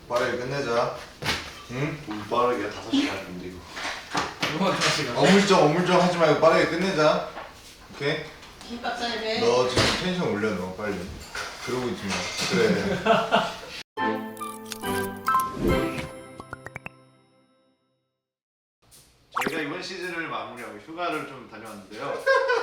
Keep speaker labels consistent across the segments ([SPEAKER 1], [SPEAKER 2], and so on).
[SPEAKER 1] 빠르게 끝내자. 응?
[SPEAKER 2] 뭘 빠르게 5시간 근데 이거.
[SPEAKER 1] 어물쩡 하지 말고 빠르게 끝내자. 오케이?
[SPEAKER 3] 김밥 싸야 돼.
[SPEAKER 1] 너 지금 텐션 올려 너 빨리. 그러고 있지 마. 그래.
[SPEAKER 2] 저희가 이번 시즌을 마무리하고 휴가를 좀 다녀왔는데요.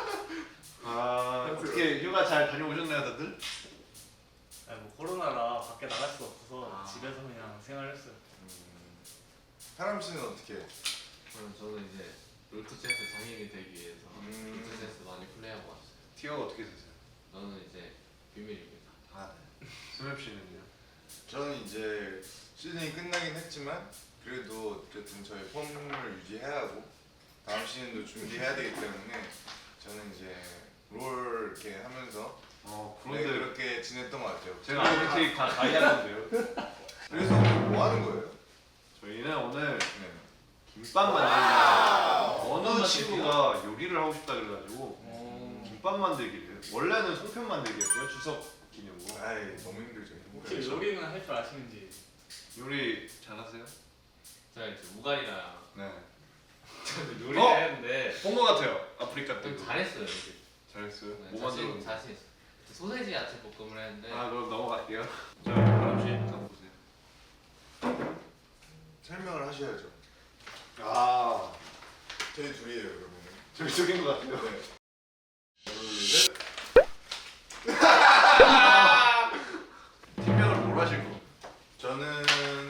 [SPEAKER 2] 어떻게 휴가 잘 다녀오셨나요, 다들?
[SPEAKER 4] 아니 뭐 코로나라 밖에 나갈 수 없어서 집에서 그냥 생활했어요.
[SPEAKER 1] 사람 씨는 어떻게 해?
[SPEAKER 5] 저는 이제 롤토체스 장인이 되기 위해서 롤토체스 많이 플레이하고 왔어요.
[SPEAKER 2] 티어가 어떻게 되세요?
[SPEAKER 5] 저는 이제 비밀입니다.
[SPEAKER 2] 네. 스맵 씨는요?
[SPEAKER 1] 저는 이제 시즌이 끝나긴 했지만 그래도 어쨌든 저희 폼을 유지해야 하고 다음 시즌도 준비해야 되기 때문에 저는 이제 롤 이렇게 하면서
[SPEAKER 2] 그런데
[SPEAKER 1] 그렇게 지냈던 것 같아요.
[SPEAKER 2] 제가 OPT 다 가야하는데요.
[SPEAKER 1] 그래서 오늘 뭐 하는 거예요?
[SPEAKER 2] 저희는 오늘
[SPEAKER 1] 네.
[SPEAKER 2] 김밥 만들기. 어느 친구가 요리를 하고 싶다 그래가지고 김밥 만들기를. 원래는 송편 만들기였어요, 추석 기념으로.
[SPEAKER 1] 아이 너무 힘들죠.
[SPEAKER 4] 혹시
[SPEAKER 1] 그래서
[SPEAKER 4] 요리는 할 줄 아시는지?
[SPEAKER 2] 요리 잘하세요?
[SPEAKER 5] 제가 이제 우갈이랑
[SPEAKER 2] 네.
[SPEAKER 5] 저는 요리를
[SPEAKER 2] 어?
[SPEAKER 5] 했는데
[SPEAKER 2] 본 것 같아요. 아프리카 때.
[SPEAKER 5] 좀 잘했어요. 이제.
[SPEAKER 2] 잘했어요.
[SPEAKER 5] 네,
[SPEAKER 2] 뭐 만들었는데?
[SPEAKER 5] 자신 있어요. 그때 소세지 야채 볶음을 했는데
[SPEAKER 2] 그럼 넘어갈게요. 자, 바람 씨, 한번 보세요.
[SPEAKER 1] 설명을 하셔야죠. 저희 둘이에요 그러면.
[SPEAKER 2] 저기 쪽인 것 같아요.
[SPEAKER 1] 네. 둘, 셋.
[SPEAKER 2] 팀명을 뭘 하실 거?
[SPEAKER 1] 저는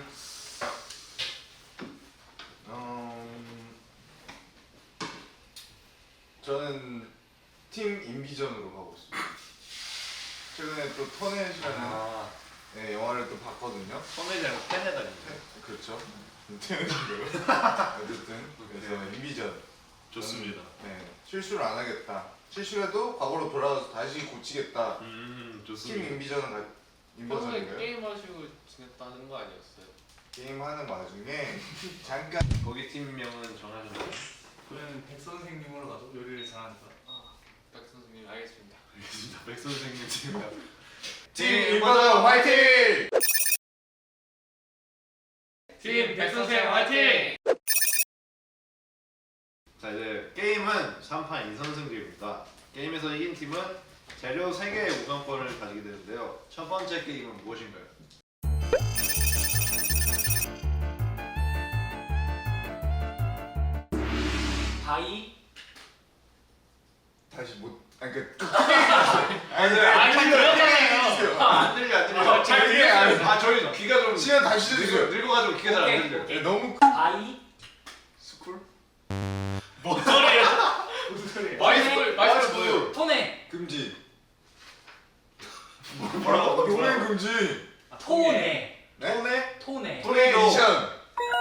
[SPEAKER 1] 저는 팀 인비전으로 가고 있습니다. 최근에 또 터넷이라는 네, 영화를 또 봤거든요.
[SPEAKER 2] 선배지 말고 팬에다니까.
[SPEAKER 1] 그렇죠. 태연이고요. 어쨌든 그래서 인비전.
[SPEAKER 2] 좋습니다.
[SPEAKER 1] 네, 실수를 안 하겠다. 실수라도 과거로 돌아가서 다시 고치겠다. 팀
[SPEAKER 2] 좋습니다.
[SPEAKER 1] 인비전은
[SPEAKER 5] 평소에
[SPEAKER 1] 인버전인가요?
[SPEAKER 5] 게임 하시고 지냈다는 거 아니었어요?
[SPEAKER 1] 게임하는 와중에 잠깐
[SPEAKER 2] 거기 팀명은 정하셨나요?
[SPEAKER 4] 저희는 백 선생님으로 가서 요리를 잘하니까.
[SPEAKER 5] 백 선생님 알겠습니다.
[SPEAKER 2] 알겠습니다. 백 선생님 팀명.
[SPEAKER 1] 팀 인버전 화이팅!
[SPEAKER 4] 팀 백선생 화이팅!
[SPEAKER 2] 자, 이제 게임은 3판 2선승제입니다. 게임에서 이긴 팀은 재료 3개의 우선권을 가지게 되는데요. 첫 번째 게임은 무엇인가요?
[SPEAKER 4] 바이.
[SPEAKER 1] 다시 못 아니 그
[SPEAKER 4] 아니 들렸잖아요.
[SPEAKER 2] 안 들려.
[SPEAKER 4] 잘 들려요.
[SPEAKER 2] 저희 귀가 좀
[SPEAKER 1] 시간 다시 주세요.
[SPEAKER 2] 늙어가지고 귀가 잘 안
[SPEAKER 4] 오케이,
[SPEAKER 2] 들려요.
[SPEAKER 4] 오케이.
[SPEAKER 1] 너무
[SPEAKER 4] 바이.
[SPEAKER 2] 스쿨?
[SPEAKER 4] 뭔 소리야? 무슨 소리야?
[SPEAKER 5] 마이스쿨 뭐예요?
[SPEAKER 4] 토네.
[SPEAKER 1] 금지.
[SPEAKER 2] 뭐라고?
[SPEAKER 1] 동행 금지.
[SPEAKER 4] 토네.
[SPEAKER 1] 네?
[SPEAKER 2] 토네?
[SPEAKER 4] 토네.
[SPEAKER 1] 도네이션.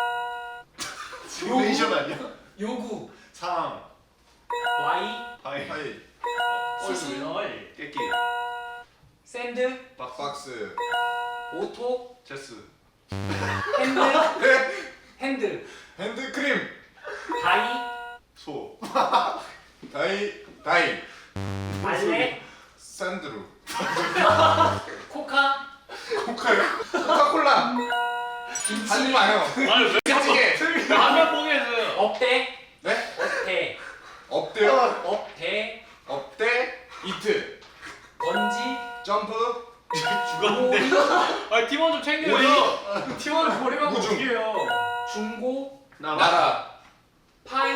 [SPEAKER 2] 도네이션 아니야?
[SPEAKER 4] 요구.
[SPEAKER 2] 상.
[SPEAKER 4] 와이.
[SPEAKER 2] 하이.
[SPEAKER 1] 하이.
[SPEAKER 4] 수수.
[SPEAKER 2] 깨끼.
[SPEAKER 4] 샌드.
[SPEAKER 1] 박스.
[SPEAKER 4] 오토.
[SPEAKER 2] 체스.
[SPEAKER 4] 핸드.
[SPEAKER 1] 네.
[SPEAKER 4] 핸드.
[SPEAKER 1] 핸드크림.
[SPEAKER 4] 바이.
[SPEAKER 2] 소.
[SPEAKER 1] 다이.
[SPEAKER 4] 알레.
[SPEAKER 1] 산드루.
[SPEAKER 4] 코카.
[SPEAKER 1] 코카요? 코카콜라.
[SPEAKER 4] 김치.
[SPEAKER 1] 하지 마요.
[SPEAKER 4] 아니 왜
[SPEAKER 1] 찌개.
[SPEAKER 4] 라면 포기했어요. 업대.
[SPEAKER 1] 네?
[SPEAKER 4] 업대.
[SPEAKER 1] 업대요.
[SPEAKER 4] 업대.
[SPEAKER 1] 업대. 이트.
[SPEAKER 4] 번지.
[SPEAKER 1] 점프.
[SPEAKER 4] 죽었는데. 아 팀원 좀 챙겨요. 팀원 버리면
[SPEAKER 1] 우중.
[SPEAKER 4] 어떡해요. 중고.
[SPEAKER 1] 나라.
[SPEAKER 4] 파인.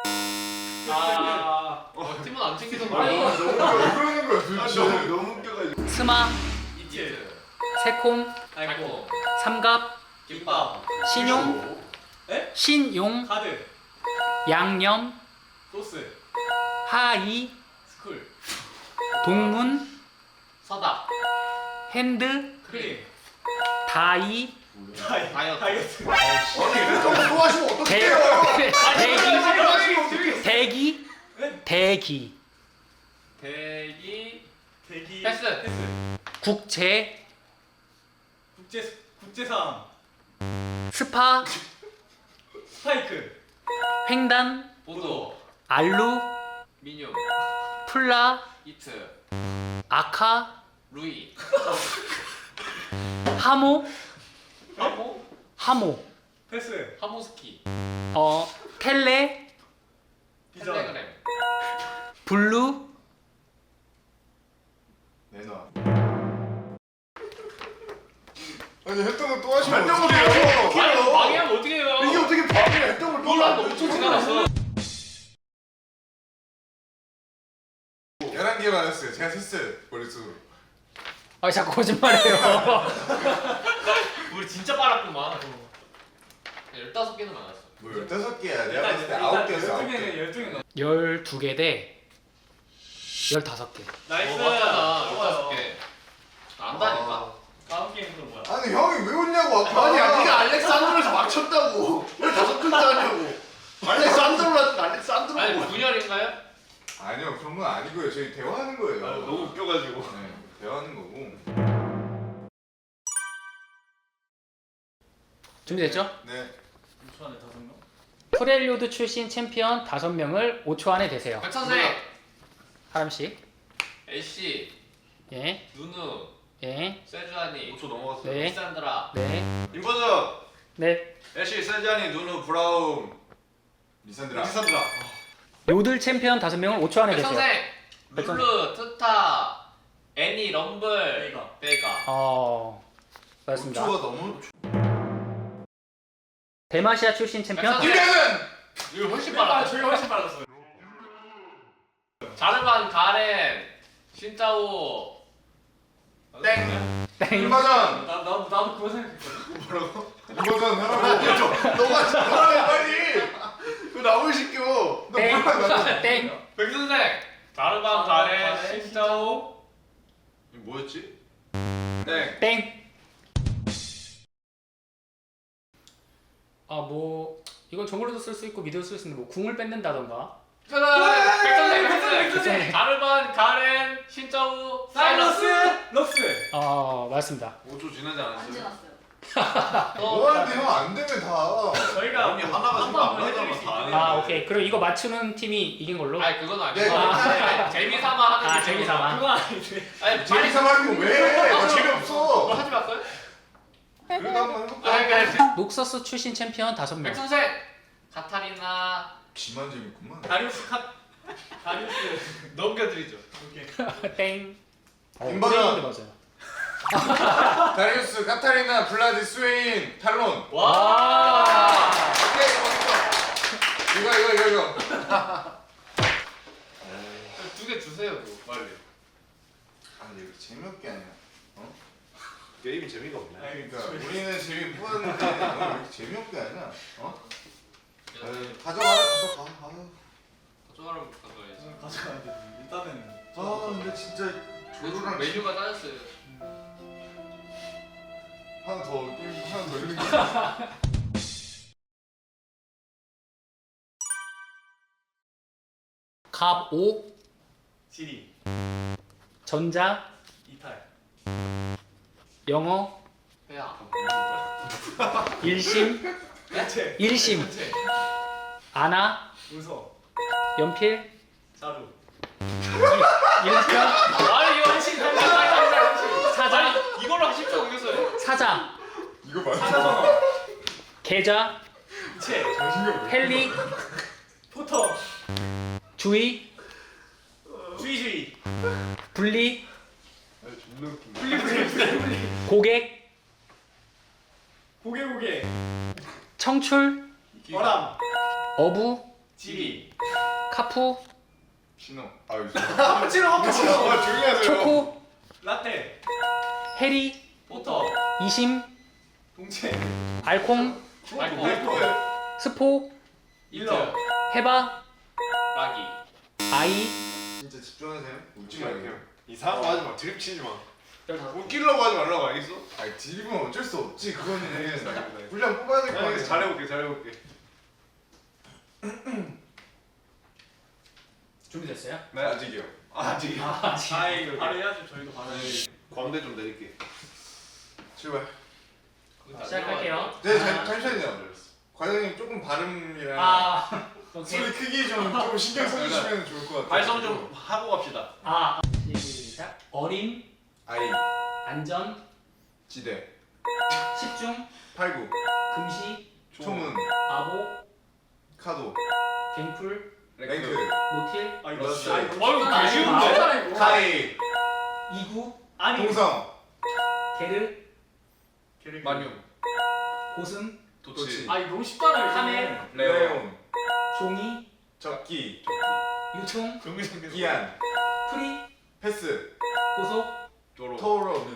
[SPEAKER 5] 팀원 안 챙기던 거
[SPEAKER 4] 아니,
[SPEAKER 5] 아니에요?
[SPEAKER 1] 너무 왜 그러는 거야 도대체.
[SPEAKER 2] 너무 웃겨가지고.
[SPEAKER 6] 스마,
[SPEAKER 5] 이트
[SPEAKER 6] 새콤,
[SPEAKER 5] 아이고
[SPEAKER 6] 삼갑,
[SPEAKER 5] 김밥
[SPEAKER 6] 신용, 신용,
[SPEAKER 4] 카드.
[SPEAKER 6] 양념,
[SPEAKER 4] 소스.
[SPEAKER 6] 하이,
[SPEAKER 4] 스쿨.
[SPEAKER 6] 동문,
[SPEAKER 5] 서답
[SPEAKER 6] 핸드,
[SPEAKER 4] 크림.
[SPEAKER 6] 다이,
[SPEAKER 5] 다이어트
[SPEAKER 1] 아니 너무 좋아하시면
[SPEAKER 6] 대,
[SPEAKER 1] 어떡해요.
[SPEAKER 6] 대기, 대기,
[SPEAKER 5] 대기
[SPEAKER 4] 대기.
[SPEAKER 5] 패스
[SPEAKER 6] 국제,
[SPEAKER 4] 국제상.
[SPEAKER 6] 스파,
[SPEAKER 4] 스파이크.
[SPEAKER 6] 횡단,
[SPEAKER 5] 보도
[SPEAKER 6] 알루,
[SPEAKER 5] 민요
[SPEAKER 6] 플라,
[SPEAKER 5] 이트
[SPEAKER 6] 아카,
[SPEAKER 5] 루이
[SPEAKER 6] 하모,
[SPEAKER 4] 하모.
[SPEAKER 6] 하모,
[SPEAKER 4] 패스.
[SPEAKER 5] 하모스키.
[SPEAKER 6] 텔레,
[SPEAKER 4] 비전.
[SPEAKER 5] 텔레그램.
[SPEAKER 6] 블루,
[SPEAKER 1] 내놔. 아니 했던 거 또 하시면
[SPEAKER 2] 했던 거
[SPEAKER 1] 어떡해요?
[SPEAKER 5] 아니 뭐 방해하면 어떻게 해요?
[SPEAKER 2] 이게 어떻게 방해를 했던 걸또
[SPEAKER 5] 이거 한 5초 지나갔어.
[SPEAKER 1] 11개 맞았어요. 제가 셌어요. 머릿속으로.
[SPEAKER 6] 아 자꾸 거짓말해요.
[SPEAKER 5] 우리 진짜 빨랐구만. 15개는 많았어.
[SPEAKER 1] 뭐 15개야. 내가 봤을 때 9개였어. 9개.
[SPEAKER 4] 12개는
[SPEAKER 6] 12개 대 15개.
[SPEAKER 4] 나이스.
[SPEAKER 5] 맞잖아.
[SPEAKER 4] 좋아요.
[SPEAKER 5] 15개. 안다니까.
[SPEAKER 4] 다음 게임은 또 뭐야?
[SPEAKER 1] 아니 형이 왜 웃냐고 아까.
[SPEAKER 2] 아니야 네가 알렉산드로에서 맞췄다고. 왜 5글자냐고. 알렉산드로라는 알렉산드로.
[SPEAKER 5] 아니 분열인가요?
[SPEAKER 1] 아니요 그런 건 아니고요. 저희 대화하는 거예요.
[SPEAKER 2] 너무 웃겨가지고.
[SPEAKER 1] 네, 대화하는 거고.
[SPEAKER 6] 준비됐죠?
[SPEAKER 1] 네.
[SPEAKER 4] 6초 안에 5명?
[SPEAKER 6] 프렐류드 출신 챔피언 5명을 5초 안에 되세요.
[SPEAKER 5] 백선생.
[SPEAKER 6] 하람씨.
[SPEAKER 5] 애쉬.
[SPEAKER 6] 예,
[SPEAKER 5] 누누.
[SPEAKER 6] 예,
[SPEAKER 5] 세주아니.
[SPEAKER 2] 5초 넘어갔어요.
[SPEAKER 6] 네.
[SPEAKER 5] 리산드라.
[SPEAKER 6] 네,
[SPEAKER 2] 인버저,
[SPEAKER 6] 네.
[SPEAKER 2] 애쉬, 세자니, 누누, 브라움,
[SPEAKER 1] 리산드라.
[SPEAKER 2] 리산드라.
[SPEAKER 6] 요들 챔피언 5명을 5초 안에 되세요.
[SPEAKER 5] 백선생.
[SPEAKER 6] 백선-
[SPEAKER 5] 룰루. 트타. 애니. 럼블.
[SPEAKER 4] 베이가.
[SPEAKER 5] 베이가.
[SPEAKER 6] 맞습니다.
[SPEAKER 1] 5초가 너무.
[SPEAKER 6] 대마시아 출신 챔피언
[SPEAKER 5] 백선생.
[SPEAKER 1] 김혜는.
[SPEAKER 5] 이거 훨씬
[SPEAKER 4] 저희가
[SPEAKER 5] 빨랐어.
[SPEAKER 4] 훨씬 빨랐어요.
[SPEAKER 5] 자르반 가렌. 신짜오.
[SPEAKER 1] 땡.
[SPEAKER 6] 땡.
[SPEAKER 1] 인버전.
[SPEAKER 4] 나도 그거 생각했거든.
[SPEAKER 1] 인버전 하라고.
[SPEAKER 2] 너가 진짜 빨리. 왜 남을 시켜?
[SPEAKER 6] 땡. 땡.
[SPEAKER 5] 백선생. 자르반 가렌. 신짜오.
[SPEAKER 2] 이거 뭐였지? 네.
[SPEAKER 6] 땡. 뭐 이건 정글로도 쓸 수 있고 미드도 쓸 수 있는데 뭐 궁을 뺏는다던가.
[SPEAKER 5] 백선생. 자르반 가렌. 신짜오.
[SPEAKER 4] 사이러스.
[SPEAKER 5] 사이러스.
[SPEAKER 4] 럭스.
[SPEAKER 6] 맞습니다.
[SPEAKER 2] 5초 지나지
[SPEAKER 3] 안
[SPEAKER 2] 않았어요?
[SPEAKER 3] 지났어요.
[SPEAKER 1] 뭐하는데 형 안 되면 다.
[SPEAKER 4] 저희가
[SPEAKER 2] 언니 하나가 지금 안 맞아서 다
[SPEAKER 6] 오케이. 그럼 이거 맞추는 팀이 이긴 걸로.
[SPEAKER 5] 아니 그건 아니고.
[SPEAKER 1] 네.
[SPEAKER 5] 재미삼아 하는 게
[SPEAKER 6] 재미삼아.
[SPEAKER 4] 그거 아닌데.
[SPEAKER 5] 아니
[SPEAKER 1] 재미삼 하는 거왜 해? 나
[SPEAKER 5] 그거
[SPEAKER 1] 재미없어.
[SPEAKER 5] 하지 말까요?
[SPEAKER 1] 그래도 한번 해볼까?
[SPEAKER 5] 아니 그러니까
[SPEAKER 6] 녹서스 출신 챔피언 5명.
[SPEAKER 5] 백선생. 카타리나.
[SPEAKER 1] 지만 재밌구만.
[SPEAKER 4] 다리우스.
[SPEAKER 5] 넘겨드리죠.
[SPEAKER 4] 오케이.
[SPEAKER 6] 땡.
[SPEAKER 1] 인버전.
[SPEAKER 6] 맞아요.
[SPEAKER 1] 다리우스, 카타리나, 블라디, 스웨인, 탈론.
[SPEAKER 5] 와.
[SPEAKER 1] 오케이 멋있어. 이거.
[SPEAKER 5] 2개 주세요, 그거 빨리.
[SPEAKER 1] 아니 이렇게 재미없게 하냐?
[SPEAKER 2] 게임이 재미가 없네.
[SPEAKER 4] 아니,
[SPEAKER 1] 그러니까 우리는 재미 뽑았는데 너는 왜 이렇게 재미없게 하냐? 가져가라 가져가.
[SPEAKER 5] 가져가라면 가져가야지.
[SPEAKER 4] 가져가야 돼. 일단은.
[SPEAKER 1] 근데 진짜
[SPEAKER 5] 조루랑 메뉴가 따졌어요.
[SPEAKER 1] 하나 더 있는 게.
[SPEAKER 6] 갑 5,
[SPEAKER 4] 지리.
[SPEAKER 6] 전자,
[SPEAKER 4] 이탈.
[SPEAKER 6] 영어,
[SPEAKER 5] 회야.
[SPEAKER 6] 일심,
[SPEAKER 4] 대체.
[SPEAKER 6] 일심,
[SPEAKER 4] 대체.
[SPEAKER 6] 아나,
[SPEAKER 4] 웃어.
[SPEAKER 6] 연필,
[SPEAKER 4] 자루.
[SPEAKER 6] 일편,
[SPEAKER 5] 아니 이거 한신
[SPEAKER 6] 사자,
[SPEAKER 5] 아니 이걸로 한신 점 옮겼어요.
[SPEAKER 6] 사자,
[SPEAKER 1] 이거 맞아?
[SPEAKER 4] 사자성어.
[SPEAKER 6] 계좌,
[SPEAKER 4] 이체.
[SPEAKER 6] 헬리,
[SPEAKER 4] 포터.
[SPEAKER 6] 주의,
[SPEAKER 4] 주의주의.
[SPEAKER 6] 분리,
[SPEAKER 2] 존나 웃긴다.
[SPEAKER 6] 고객,
[SPEAKER 4] 고개.
[SPEAKER 6] 청출,
[SPEAKER 4] 어람.
[SPEAKER 6] 어부,
[SPEAKER 4] 지리.
[SPEAKER 6] 카푸,
[SPEAKER 1] 신호.
[SPEAKER 4] 카푸치노.
[SPEAKER 1] 조용히 하세요.
[SPEAKER 6] 초코,
[SPEAKER 4] 라떼.
[SPEAKER 6] 해리,
[SPEAKER 4] 포터.
[SPEAKER 6] 이심,
[SPEAKER 4] 동체.
[SPEAKER 6] 알콩,
[SPEAKER 5] 아이고.
[SPEAKER 6] 스포,
[SPEAKER 4] 일러.
[SPEAKER 6] 해바,
[SPEAKER 5] 라기.
[SPEAKER 6] 아이,
[SPEAKER 1] 진짜 집중하세요.
[SPEAKER 2] 웃지 말게요. 이상한 거 하지 마. 드립 치지 마.
[SPEAKER 6] 15개.
[SPEAKER 2] 웃기려고 하지 말라고 알겠어?
[SPEAKER 1] 아니 드립은 어쩔 수 없지. 그거는
[SPEAKER 2] 알겠어.
[SPEAKER 1] 분량 뽑아야 될 거 아니야.
[SPEAKER 2] 알겠어. 잘해볼게.
[SPEAKER 6] 준비됐어요?
[SPEAKER 2] 네.
[SPEAKER 1] 아직이요.
[SPEAKER 2] 아직.
[SPEAKER 4] 아이 바로 해야죠. 저희도 바로.
[SPEAKER 2] 광대 좀 내릴게.
[SPEAKER 1] 출발.
[SPEAKER 6] 시작할게요.
[SPEAKER 1] 네, 잠시만요. 과장님 조금 발음이랑
[SPEAKER 6] 오케이.
[SPEAKER 1] 소리 크기 조금 신경 써주시면 좋을 것 같아요.
[SPEAKER 2] 발성 좀 하고 갑시다.
[SPEAKER 6] 시작. 어림,
[SPEAKER 1] 아이,
[SPEAKER 6] 안전,
[SPEAKER 1] 지대,
[SPEAKER 6] 집중,
[SPEAKER 1] 팔구,
[SPEAKER 6] 금시,
[SPEAKER 1] 초문,
[SPEAKER 6] 바보,
[SPEAKER 1] 카도,
[SPEAKER 6] 갱풀,
[SPEAKER 1] 랭크,
[SPEAKER 6] 노틸,
[SPEAKER 4] 아
[SPEAKER 1] 러스,
[SPEAKER 4] 이거
[SPEAKER 3] 아유
[SPEAKER 4] 개
[SPEAKER 3] 쉬운데?
[SPEAKER 1] 카이,
[SPEAKER 6] 이구,
[SPEAKER 4] 아니
[SPEAKER 1] 동성,
[SPEAKER 6] 게르,
[SPEAKER 5] 마뇽,
[SPEAKER 6] 고슴,
[SPEAKER 1] 도치,
[SPEAKER 3] 아 이거 너무 쉽잖아요.
[SPEAKER 6] 카멜,
[SPEAKER 1] 레온,
[SPEAKER 6] 종이,
[SPEAKER 1] 적기,
[SPEAKER 6] 유통,
[SPEAKER 1] 기안,
[SPEAKER 6] 프리,
[SPEAKER 1] 패스,
[SPEAKER 6] 고속,
[SPEAKER 2] 도로
[SPEAKER 1] 토로,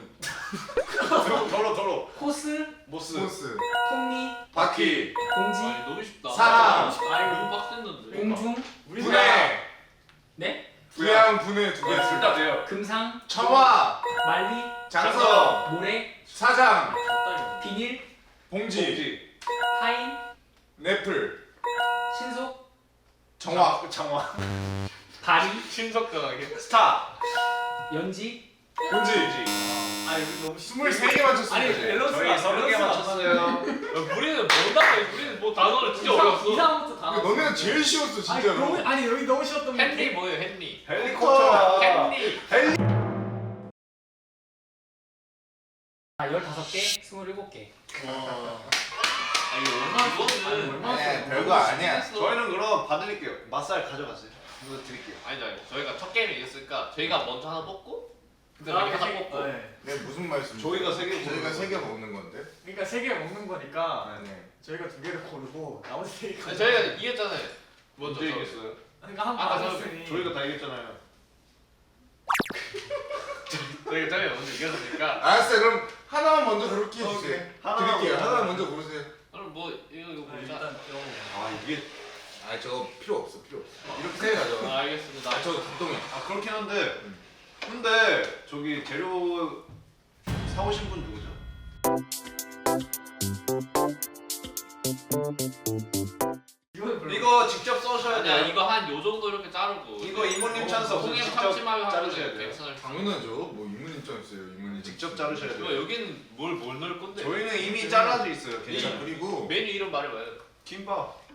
[SPEAKER 2] 도로
[SPEAKER 6] 코스,
[SPEAKER 2] 모스
[SPEAKER 1] 보스,
[SPEAKER 6] 톱니,
[SPEAKER 1] 바퀴,
[SPEAKER 6] 공지,
[SPEAKER 5] 아니 너무 쉽다.
[SPEAKER 1] 사람.
[SPEAKER 5] 너무 빡셌는데.
[SPEAKER 6] 공중,
[SPEAKER 1] 분해,
[SPEAKER 6] 네?
[SPEAKER 1] 부양, 분해 두 개.
[SPEAKER 2] 둘다 돼요.
[SPEAKER 6] 금상,
[SPEAKER 1] 청화,
[SPEAKER 6] 말리,
[SPEAKER 1] 장성,
[SPEAKER 6] 모래,
[SPEAKER 1] 사장,
[SPEAKER 6] 비닐,
[SPEAKER 1] 봉지,
[SPEAKER 6] 파인,
[SPEAKER 1] 넷플,
[SPEAKER 6] 신속,
[SPEAKER 1] 정화,
[SPEAKER 2] 장화
[SPEAKER 6] 다리,
[SPEAKER 5] 신속당하게.
[SPEAKER 2] 스타
[SPEAKER 6] 연지,
[SPEAKER 1] 봉지.
[SPEAKER 4] 아 이거 너무
[SPEAKER 1] 23개 맞췄습니다.
[SPEAKER 4] 아니
[SPEAKER 1] 이제.
[SPEAKER 4] 밸런스가
[SPEAKER 2] 저희 30개 맞췄어요.
[SPEAKER 5] 우리는 뭔가 우리는 뭐 단어를 진짜 어려웠어.
[SPEAKER 3] 이상부터 다 나왔어.
[SPEAKER 1] 너네가 제일 쉬웠어
[SPEAKER 3] 아니
[SPEAKER 1] 진짜로.
[SPEAKER 3] 너무 아니 여기 너무 쉬웠던 게
[SPEAKER 5] 헨리 뭐예요 헨리?
[SPEAKER 2] 헬리콥터야.
[SPEAKER 5] 헨리.
[SPEAKER 6] 15개, 27개.
[SPEAKER 5] 아니 이거는
[SPEAKER 1] 아니야, 별거 아니야.
[SPEAKER 2] 저희는 그럼 봐드릴게요. 맛살 가져가세요. 이거 드릴게요.
[SPEAKER 5] 아니죠. 저희가 첫 게임을 이겼으니까 저희가 먼저 하나 뽑고 그다음에
[SPEAKER 4] 아,
[SPEAKER 5] 하나
[SPEAKER 4] 세 개.
[SPEAKER 5] 뽑고.
[SPEAKER 4] 네.
[SPEAKER 1] 내가 무슨 말씀?
[SPEAKER 2] 저희가 세 개
[SPEAKER 1] 저희가
[SPEAKER 2] 먹는
[SPEAKER 1] 3개 먹는 건데.
[SPEAKER 4] 그러니까 3개 먹는 거니까
[SPEAKER 1] 네.
[SPEAKER 4] 저희가 2개를 고르고 나머지 3개
[SPEAKER 5] 아니, 저희가 이겼잖아요. 먼저
[SPEAKER 2] 언제
[SPEAKER 5] 저-
[SPEAKER 2] 이겼어요?
[SPEAKER 4] 그러니까 한
[SPEAKER 5] 아까
[SPEAKER 4] 번 맞았으니
[SPEAKER 2] 저희가 다 이겼잖아요.
[SPEAKER 5] 저희가 먼저 이겼으니까.
[SPEAKER 1] 알았어요. 그럼 하나만 먼저 고르게 해주세요.
[SPEAKER 2] 오케이. 하나만
[SPEAKER 1] 드릴게요.
[SPEAKER 2] 먼저.
[SPEAKER 1] 하나만 먼저 고르세요.
[SPEAKER 5] 그럼 뭐 이거
[SPEAKER 4] 네,
[SPEAKER 5] 보자.
[SPEAKER 4] 일단 이거
[SPEAKER 2] 아 이게
[SPEAKER 1] 아 저거 필요 없어. 필요 없어. 이렇게 생각하죠.
[SPEAKER 5] 아, 알겠습니다.
[SPEAKER 1] 아 저거 감동이.
[SPEAKER 2] 아 그렇긴 한데 근데 저기 재료 사오신 분 누구죠? 이거 직접 써셔야
[SPEAKER 5] 아니야
[SPEAKER 2] 돼요.
[SPEAKER 5] 이거 한 요 정도 이렇게 자르고.
[SPEAKER 2] 이거 이모님 찬스 없어요.
[SPEAKER 5] 홍해
[SPEAKER 2] 직접
[SPEAKER 5] 참치마요
[SPEAKER 2] 자르셔야 돼요.
[SPEAKER 5] 백선을
[SPEAKER 1] 당연하죠. 뭐 이문 입장 있어요. 이문
[SPEAKER 2] 직접 자르셔야
[SPEAKER 5] 이거
[SPEAKER 2] 돼요.
[SPEAKER 5] 여기는 뭘 넣을 건데?
[SPEAKER 2] 저희는 이미 잘라져 있어요.
[SPEAKER 1] 네.
[SPEAKER 2] 괜찮아요.
[SPEAKER 1] 그리고
[SPEAKER 5] 메뉴 이름 말해봐요.
[SPEAKER 2] 김밥.